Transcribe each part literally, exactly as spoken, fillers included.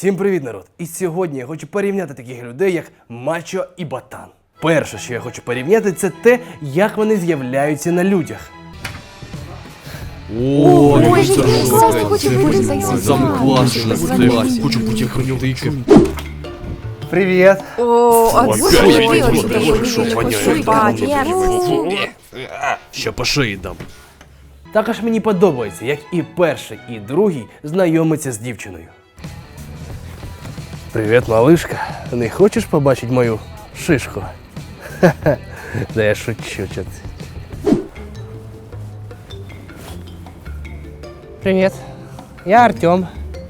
Всім привіт, народ! І сьогодні я хочу порівняти таких людей, як Мачо і Ботан. Перше, що я хочу порівняти, це те, як вони з'являються на людях. О, Ой, я класно хочу бути таким. Саме класне в класі. Хочу бути охранювачем. Привіт! О, а Ой, слушай, ой, ты ой, очень ой, такой шо, милый, воняет. молодец. Ще по шиї дам. Також мені подобається, як і перший, і другий знайомиться з дівчиною. Привіт, малишка. Не хочеш побачити мою шишку? Ха-ха. Да я шучу, чо ти. Привіт. Я Артем.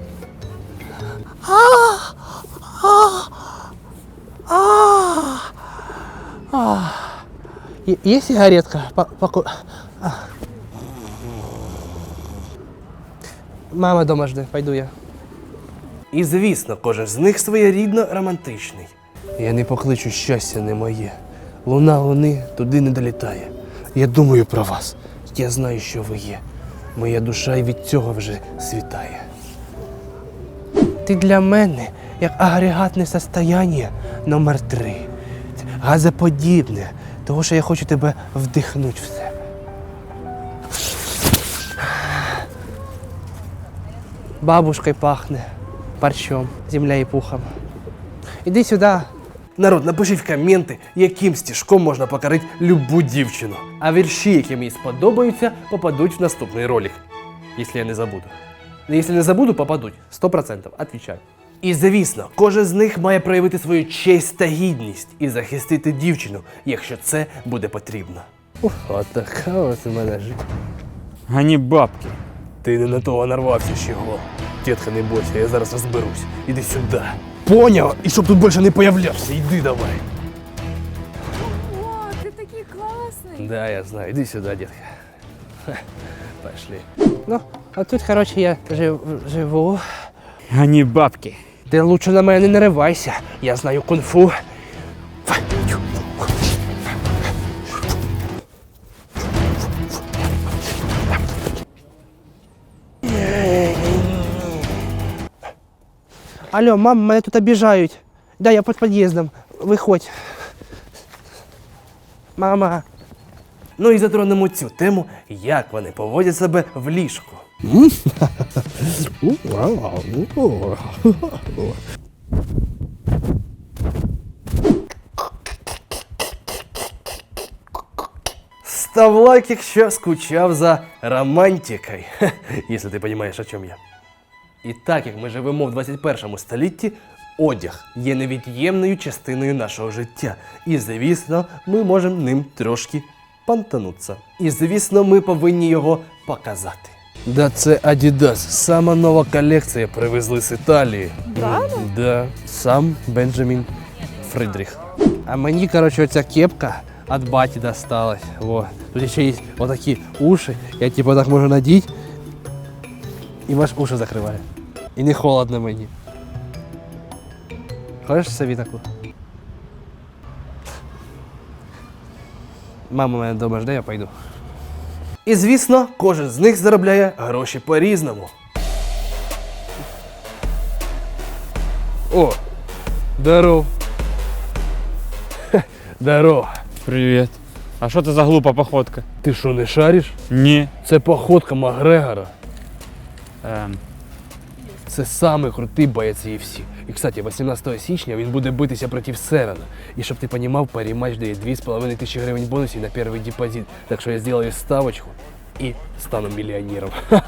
Есть сигаретка? Поку... Мама дома жде, пойду я. І звісно, кожен з них своєрідно романтичний. Я не покличу, щастя не моє. Луна луни туди не долітає. Я думаю про вас. Я знаю, що ви є. Моя душа і від цього вже світає. Ти для мене як агрегатне состояння номер три. Газоподібне, тому що я хочу тебе вдихнути в себе. Бабушкой пахне, парчом, земля і пухом. Іди сюди. Народ, напишіть в коменти, яким стежком можна покорити любу дівчину. А вірші, які мені сподобаються, попадуть в наступний ролик. Якщо я не забуду. Якщо не забуду, попадуть. сто відсотків. Отвічаю. І звісно, кожен з них має проявити свою честь та гідність і захистити дівчину, якщо це буде потрібно. Ух, от така ось у мене життя. Ані бабки. Ти не на того нарвався ще го. Тітка, не бойся, я зараз розберусь. Іди сюди. Поняв? І щоб тут більше не появлявся, йди давай. О, ты такой классный. Да, я знаю. Іди сюди, дітка. Ха, пошли. Ну, а тут, коротше, я жив, живу. Ані бабки. Ти лучше на мене не наривайся. Я знаю кунг-фу. Алло, мам, мене тут обіжають. Да, я під під'їздом. Виходь. Мама. Ну і затронемо цю тему, як вони поводять себе в ліжку. Став лайк, якщо скучав за романтикою, якщо ти розумієш, о чому я. І так як ми живемо в двадцять першому столітті, одяг є невід'ємною частиною нашого життя. І, звісно, ми можемо ним трошки понтанутися. І, звісно, ми повинні його показати. Да, це Adidas. Сама нова колекція привезли з Італії. Правда? Да, сам Бенджамін Фридріх. А мені, коротше, оця кепка від баті досталась. Во. Тут ще є отакі уші. Я типу так можу надіти. І ваш уші закриває. І не холодно мені. Хочеш собі таку? Мама мене вдома жде, я пойду. І звісно, кожен з них заробляє гроші по-різному. О! Здоров! Хе, здоров! Привіт. А що це за глупа походка? Ти що, не шариш? Ні. Це походка Макгрегора. Ем, Це самий крутий боєць ю еф сі. І, кстати, вісімнадцятого січня він буде битися проти Севена. І щоб ти розумів, парі матч дає дві з половиною тисячі гривень бонусів на перший депозит. Так що я зроблю ставочку і стану мільйонером.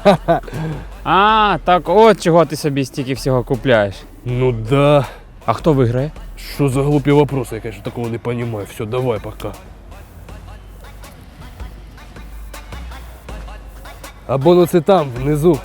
А, так от чого ти собі стільки всього купляєш. Ну да. А хто виграє? Що за глупі вопроси, я, конечно, такого не розумію. Все, давай, пока. А бонуси там, внизу.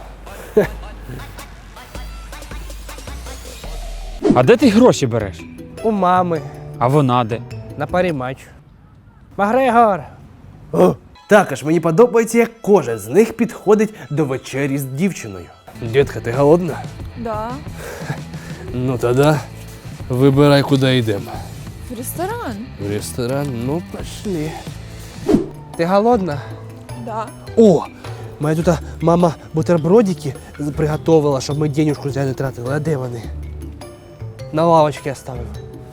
А де ти гроші береш? У мами. А вона де? На парі матч. Макгрегор! О! Також мені подобається, як кожен з них підходить до вечері з дівчиною. Дітка, ти голодна? Да. Ну тоді вибирай, куди йдемо. В ресторан. В ресторан? Ну, пошли. Ти голодна? Да. О! Моя тут мама бутербродики приготувала, щоб ми денежку зря не тратили. А де вони? На лавочці оставив.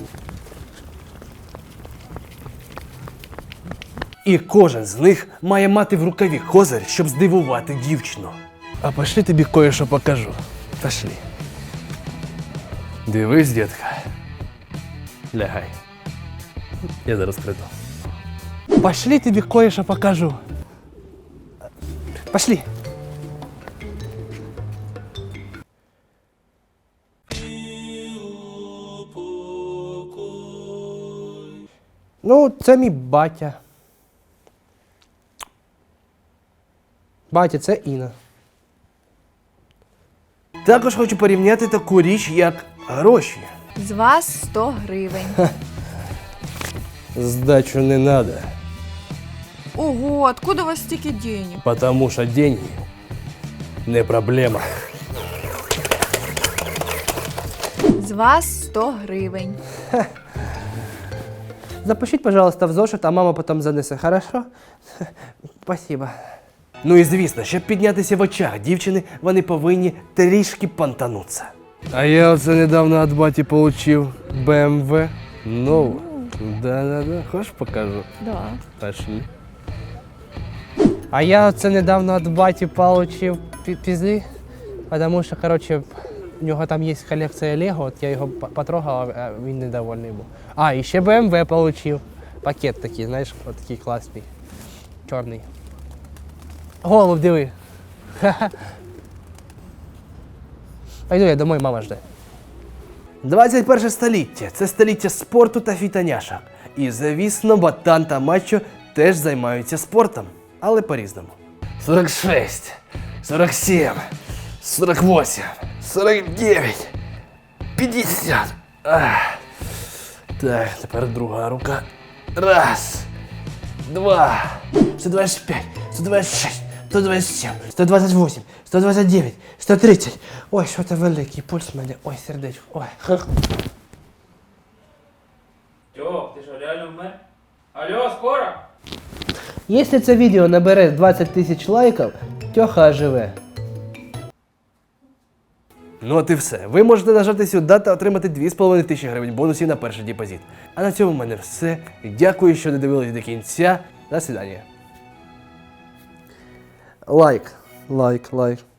І кожен з них має мати в рукаві козир, щоб здивувати дівчину. А пошли тобі кое-що покажу. Пошли. Дивись, дітка. Лягай. Я зараз прийду. Пошли тобі кое-що покажу. Пошли. Ну, це мій батя. Батя, це Інна. Також хочу порівняти таку річ, як гроші. З вас сто гривень. Сдачу не надо, Ого, откуда у вас стільки денег? потому что деньги не проблема. З вас сто гривень. Запишіть, пожалуйста, в зошит, а мама потім занесе, хорошо? Спасибо. Ну і звісно, щоб піднятися в очах дівчини, вони повинні трішки понтануться. А я оце недавно від баті получив Б М В нову. Да-да-да, хочеш покажу? Да. Пошли. А я оце недавно від баті получив пі- пізди, тому що, коротше, у нього там є колекція Лего, от я його п- потрогав, а він недовольний був. А, і ще Б М В получив. Пакет такий, знаєш, от такий класний. Чорний. Голуб, диви. Ха-ха. Пойду я домой, мама жде. двадцять перше століття – це століття спорту та фітоняшок. І, звісно, ботан та мачо теж займаються спортом, але по-різному. сорок шість, сорок сім, сорок вісім, сорок дев'ять, п'ятдесят. Ах. Так, тепер друга рука. Раз, два, сто двадцять п'ять, сто двадцять шість, сто двадцять сім, сто двадцять вісім, сто двадцять дев'ять, сто тридцять. Ой, що це великий пульс в мене. Ой, сердечко. Ой. Тьох, ти що, реально вмер? Алло, скоро? Якщо це відео набере двадцять тисяч лайків, Тьоха оживе. Ну от і все. Ви можете нажати сюди та отримати дві з половиною тисячі гривень бонусів на перший депозит. А на цьому в мене все. Дякую, що додивились до кінця. До свидання. Лайк, лайк, лайк.